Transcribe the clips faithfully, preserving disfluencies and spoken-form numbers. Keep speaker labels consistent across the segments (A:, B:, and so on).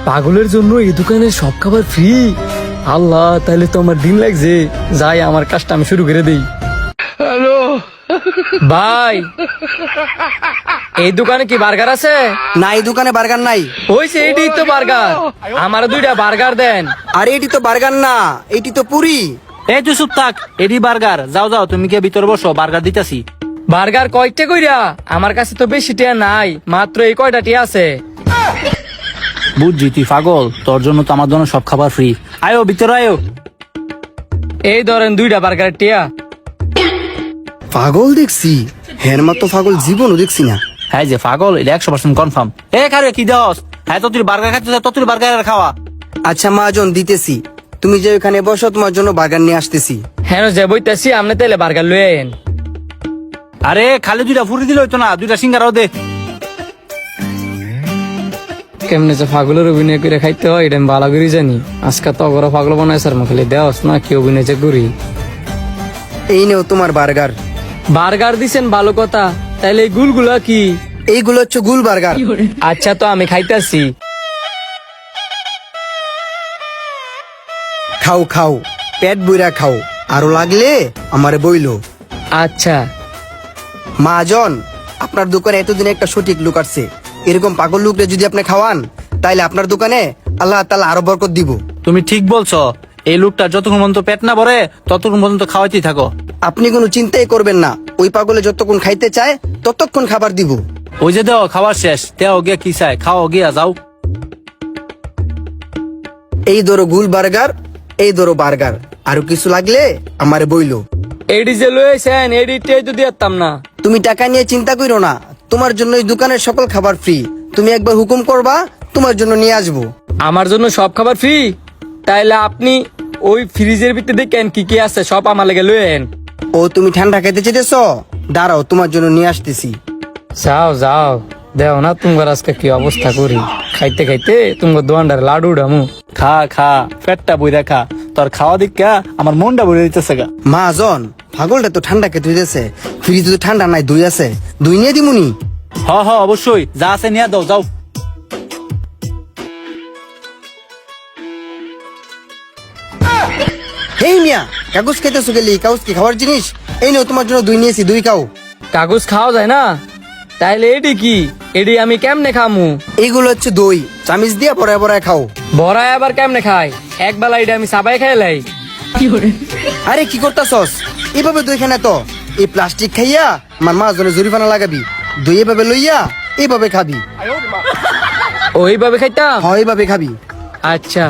A: পাগলের জন্য এই দোকানে সব খাবার ফ্রি। আল্লাহ, তাহলে তো আমার দিন লাগছে। যাই, আমার কাজটা আমি শুরু করে দেই। হ্যালো ভাই, এই দোকানে কি বার্গার আছে?
B: না, এই দোকানে বার্গার নাই।
A: হইছে, এটি তো বার্গার। আমার দুইটা বার্গার দেন।
B: আরে এটি তো বার্গার না, এটি তো পুরি।
C: এই তুই চুপ থাক, এডি বার্গার। যাও যাও, তুমি কে ভিতরে বসো, বার্গার দিতেছি।
A: বার্গার কয়টা কইরা? আমার কাছে তো বেশি টিয়া নাই, মাত্র এই কয়টা টিয়া আছে।
C: বুঝছি তুই পাগল, তোর জন্য তো আমার জন্য সব খাবার ফ্রি। আয়ো ভিতরে আয়ো।
A: এই ধরেন দুইটা বার্গার টিয়া।
B: পাগল দেখছি, হের মতো পাগল জীবনও দেখছি না।
C: হ্যাঁ যে পাগল, এটা একশো পার্সেন্ট কনফার্ম। এ খারে কি দাস? হ্যাঁ তো তুই বার্গার খাচ্ছিস, তো তুই বার্গার খাওয়া।
B: আচ্ছা মহাজন, দিতেছি। তুমি যে ওখানে বসো, তোমার জন্য বার্গার নিয়ে আসতেছি।
A: হ্যাঁ যে বইতাছি, আপনি তাইলে বার্গার লয়ে আইন।
C: আরে খালি দুইটা ফুরি দিলে হইতো না, দুইটা সিঙ্গারাও দে।
A: কেমনে যে পাগলের অভিনয় করে খাইতে হয় এটা আমি ভালো করে জানি। আজকে তো অগর পাগল বানায় স্যার, খালি দেওয়াস না কি অভিনয় যে করি।
B: এই নেও তোমার বার্গার।
A: বার্গার দিছেন, ভালো কথা। তাইলে এই গুলগুলা কি?
B: এইগুলো হচ্ছে গুল বার্গার।
A: আচ্ছা, তো আমি খাইতাছি।
B: খাও খাও, পেট বইরা খাও, আরো লাগলে আমারে বইলো।
A: আচ্ছা
B: মহাজন, আপনার দোকানে এতদিন একটা সঠিক লোক আসছে। এরকম পাগল লোকরে যদি আপনি খাওয়ান, তাইলে আপনার দোকানে আল্লাহ তাআলা আরো বরকত দিব।
C: তুমি ঠিক বলছো, এই লোকটা যতক্ষণ পর্যন্ত পেট না ভরে ততক্ষণ পর্যন্ত খাওয়াইতেই থাকো।
B: আপনি কোনো চিন্তাই করবেন না, ওই পাগলে যতক্ষণ খাইতে চায় ততক্ষণ খাবার দিব।
C: ওই যে দেও খাবার শেষ, দেও গিয়া কি চাই খাও, গিয়া যাও।
B: এই ধরো গুল বার্গার, এই ধরো বার্গার, আরো কিছু লাগলে আমারে বইলো।
A: এডি যে লয়েছেন, এডিটাই তো দিতাম না।
B: তুমি টাকা নিয়ে চিন্তা করো না, তোমার জন্য এই দোকানের সকল খাবার ফ্রি। তুমি একবার হুকুম করবা, তোমার জন্য নিয়ে আসবো।
A: আমার জন্য সব খাবার ফ্রি? তাইলে আপনি ওই ফ্রিজের ভিতরে দেখেন কি কি আছে, সব আমার লেগে লয়েন।
B: ও তুমি ঠান্ডা খেতে চেয়েছ? দাঁড়াও, তোমার জন্য নিয়ে আসতেছি।
A: যাও যাও, দেও না তোমার আজকে কি অবস্থা করি। খাইতে খাইতে তোমার দোয়ান্ডার লাডু ডামু।
C: খা খা, পেটটা বইরা খা। তোর খাওয়া দিকা আমার মনটা বইরে দিতেছে গা।
B: মহাজন, পাগলটা তো ঠান্ডা খেতে হইতেছে, ফ্রিজ তো ঠান্ডা নাই, দই আছে, দই নিয়ে দিমুনি।
C: হ হ অবশ্যই, যা আছে নিয়ে দাও, যাও।
B: এই মিয়া, কাগজ খাইতেছো গেলি? কাগজ কি খাওয়ার জিনিস? এই নাও, তোমার জন্য দই নিয়েছি, দই খাও।
A: কাগজ খাওয়া যায় না? তাইলে এডি কি? এডি আমি কেমনে খামু?
B: এইগুলো হচ্ছে দই, চামিচ দিয়ে পরায় পরায় খাও।
A: বড়াই আবার কেমনে খাই? এক বেলা এটা আমি সাবাই খাইলাই।
B: আরে কি করতাছস? এভাবে দই খানা তো এই প্লাস্টিক খাইয়া আমার মা জনে জরিমানা লাগাবি। দই এভাবে লইয়া এইভাবে খাবি।
A: ওইভাবে খাইতাম?
B: হয় এইভাবে খাবি।
A: আচ্ছা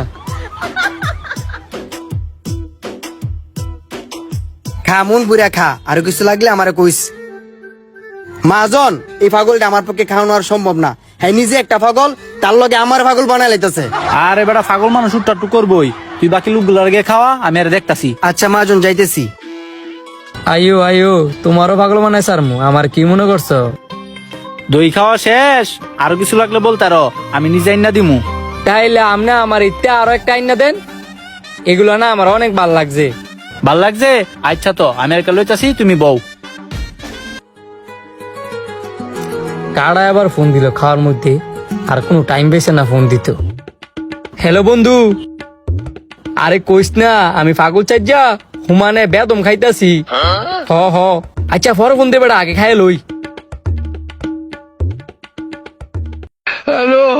B: খা, মন পুরা খা, আর কিছু লাগলে আমারে কইস। মাজন, এই পাগলটা আমার পক্ষে খাওয়ানো আর সম্ভব না। হ্যাঁ, নিজে একটা পাগল, তার লগে আমার পাগল বানাই লাইতেছে।
C: আর এবার পাগল মানুষ উঠটা করবই। তুই বাকি লোকগুলো আগে খাওয়া, আমি আর দেখতাছি।
B: আচ্ছা মাজন, যাইতেছি।
A: আইও আইও, তোমারও পাগল বানাই সারমু। আমার কি মনে করছো?
C: দই খাওয়া শেষ, আরো কিছু লাগলে বলতারো, আমি নিজে আইনা দিমু।
A: তাইলে আমনে আমার ইত্যা আরো একটা আইনা দেন। এগুলো না আমার অনেক ভাল লাগছে।
C: ভাল লাগছে? আচ্ছা, তো আমি আর লইতাছি, তুমি বউ।
A: কারা আবার ফোন দিল খাওয়ার মধ্যে? আর কোনো টাইম পেয়েছে না ফোন দিত। হ্যালো বন্ধু, আরে কইস না, আমি পাগল চাইজা হুমানে বেদম খাইতাছি। হ হ আচ্ছা, পরে ফোন দেবে, আগে খাই লই। হ্যালো,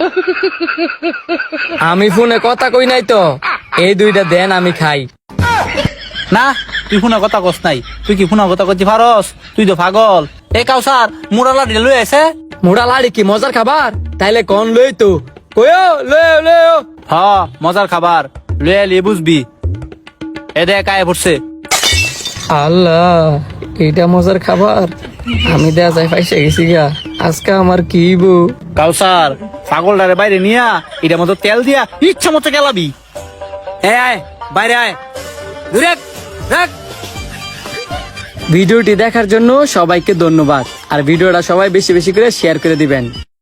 A: আমি ফোনে কথা কই নাই তো। এই দুইটা দেন, আমি খাই।
C: না, তুই ফোনা কথা কস নাই। তুই কি ফোনা কথা করতে পারস? তুই তো পাগল। এ কাউসার, মুড়া লাড়ি লই আছে।
A: মোড়া লাড়ি কি মজার খাবার? তাইলে কন লই তো। কইও লই লই।
C: হ, মজার খাবার লই আলি, বুঝবি। এ দেখ আয় পড়ছে।
A: আল্লাহ, এইটা মজার খাবার? আমি দেয়া যায় পাইসে গেছি গা। আজকে আমার কি বউ।
C: কাউসার, পাগলটারে বাইরে নিয়া এটার মতো তেল দিয়া ইচ্ছা মতো গেলাবি। এ আয়, বাইরে আয়। দূরে রাখ।
A: ভিডিওটি দেখার জন্য সবাইকে ধন্যবাদ। আর ভিডিওটা সবাই বেশি বেশি করে শেয়ার করে দিবেন।